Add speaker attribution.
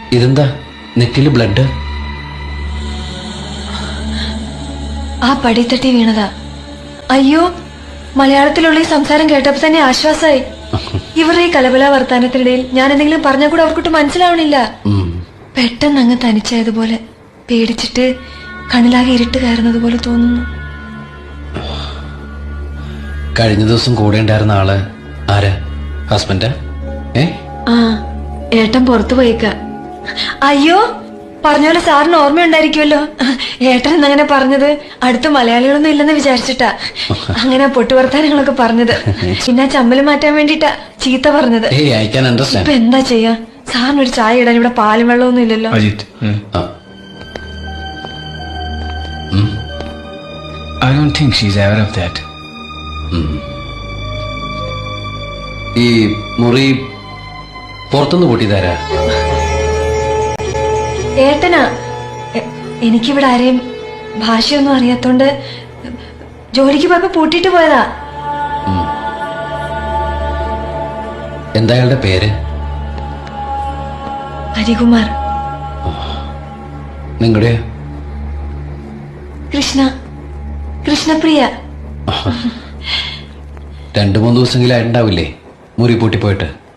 Speaker 1: ഇതെന്താ നെറ്റില് ബ്ലഡ്?
Speaker 2: ആ പടിത്തട്ടി വീണതാ. അയ്യോ, മലയാളത്തിലുള്ള ഈ സംസാരം കേട്ടപ്പോ തന്നെ ആശ്വാസമായി. ഇവരുടെ ഈ കലബല വർത്താനത്തിനിടയിൽ ഞാൻ എന്തെങ്കിലും പറഞ്ഞാൽ കൂടെ അവർക്കൊട്ട് മനസ്സിലാവണില്ല. പെട്ടെന്ന് അങ്ങ് തനിച്ചായതുപോലെ, പേടിച്ചിട്ട് കണ്ണിലാകെ ഇരുട്ട് കയറുന്നത് പോലെ തോന്നുന്നു.
Speaker 1: കഴിഞ്ഞ ദിവസം കൂടെ ഉണ്ടായിരുന്ന ആള് ആരാ? ഹസ്ബൻഡാ?
Speaker 2: ആ, ഏട്ടൻ പുറത്തു പോയിക്ക. അയ്യോ, പറഞ്ഞ പോലെ സാറിന് ഓർമ്മയുണ്ടായിരിക്കുമല്ലോ. ഏട്ടൻ എന്നങ്ങനെ പറഞ്ഞത് അടുത്ത് മലയാളികളൊന്നും ഇല്ലെന്ന് വിചാരിച്ചിട്ടാ അങ്ങനെ പൊട്ടുവർത്താനങ്ങളൊക്കെ പറഞ്ഞത്. പിന്നെ ചമ്മല് മാറ്റാൻ വേണ്ടിട്ടാ ചീത്ത പറഞ്ഞത്. ഇപ്പൊ എന്താ ചെയ്യാ? സാറിനൊരു ചായ ഇടാൻ ഇവിടെ പാലും വെള്ളമൊന്നും ഇല്ലല്ലോ.
Speaker 3: I don't think she's aware of that.
Speaker 1: ഈ മുറി പുറത്തുനിന്ന് പൊട്ടിയതാരാ?
Speaker 2: ഏട്ടനാ. എനിക്കിവിടെ ആരെയും ഭാഷയൊന്നും അറിയാത്തോണ്ട് ജോലിക്ക് പോയപ്പോ പൂട്ടിട്ട് പോയതാ.
Speaker 1: എന്താ അയാളുടെ പേര്?
Speaker 2: ഹരികുമാർ.
Speaker 1: നിങ്ങളുടെ?
Speaker 2: കൃഷ്ണപ്രിയ.
Speaker 1: 2-3 ദിവസമെങ്കിലും ആയിട്ടുണ്ടാവില്ലേ മുറി പൂട്ടിപ്പോയിട്ട്?